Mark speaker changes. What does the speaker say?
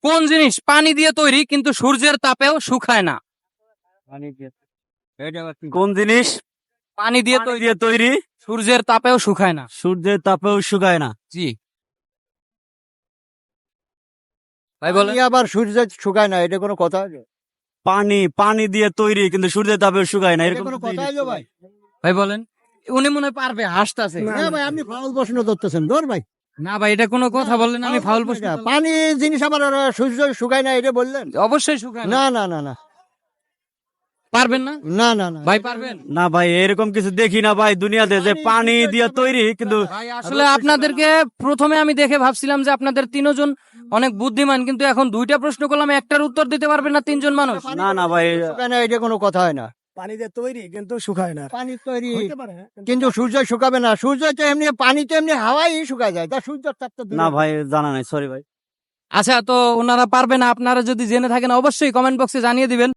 Speaker 1: কোন জিনিস পানি দিয়ে তৈরি কিন্তু সূর্যের তাপেও শুকায় না?
Speaker 2: কোন জিনিস
Speaker 1: পানি দিয়ে
Speaker 2: পানি দিয়ে তৈরি
Speaker 1: সূর্যের তাপেও শুকায় না।
Speaker 2: সূর্যের তাপেও শুকায় না?
Speaker 1: জি ভাই বলেন।
Speaker 3: পানি আবার সূর্য শুকায় না, এটা কোনো কথা আছে?
Speaker 2: পানি দিয়ে তৈরি কিন্তু সূর্যের তাপেও শুকায় না,
Speaker 3: এটা
Speaker 2: এরকম
Speaker 3: কোনো
Speaker 2: তো
Speaker 3: কথা
Speaker 2: জিনিস
Speaker 3: আছে ভাই?
Speaker 1: ভাই বলেন। উনি মনে হয় পারবে, হাসতাছে।
Speaker 3: না ভাই, আপনি ফাউল প্রশ্ন ধরতেছেন, ধর ভাই।
Speaker 1: না ভাই, এটা কোনো কথা বললেন, আমি ফাউল প্রশ্ন
Speaker 3: এটা
Speaker 1: করলাম।
Speaker 3: পানি জিনিস আবার সূর্য শুকায় না, এটা বললেন?
Speaker 1: অবশ্যই শুকায় না।
Speaker 3: না না না না
Speaker 1: পারবেন না
Speaker 3: না না না
Speaker 1: ভাই, পারবেন?
Speaker 2: না ভাই, এরকম কিছু দেখি না ভাই দুনিয়াতে যে পানি দিয়ে তৈরি কিন্তু
Speaker 1: ভাই আসলে আপনাদেরকে প্রথমে আমি দেখে ভাবছিলাম যে আপনাদের তিনজন অনেক বুদ্ধিমান, কিন্তু এখন দুইটা প্রশ্ন করলাম, একটার উত্তর দিতে পারবেন না তিনজন মানুষ।
Speaker 2: না না ভাই,
Speaker 3: শুকায় না, এটা কোনো কথা হয় না।
Speaker 4: পানি দিয়ে তৈরি কিন্তু শুকায় না।
Speaker 3: পানি তৈরি
Speaker 4: হইতে পারে,
Speaker 3: কিন্তু সূর্য শুকাবে না। সূর্য তো এমনি, পানি তো এমনি হাওয়াই শুকায় যায়, তা সূর্যের তাপ তো দূরে।
Speaker 2: না ভাই জানা নাই, সরি ভাই।
Speaker 1: আচ্ছা, তো ওনারা পারবে না, আপনারা যদি জেনে থাকেন অবশ্যই কমেন্ট বক্সে জানিয়ে দিবেন।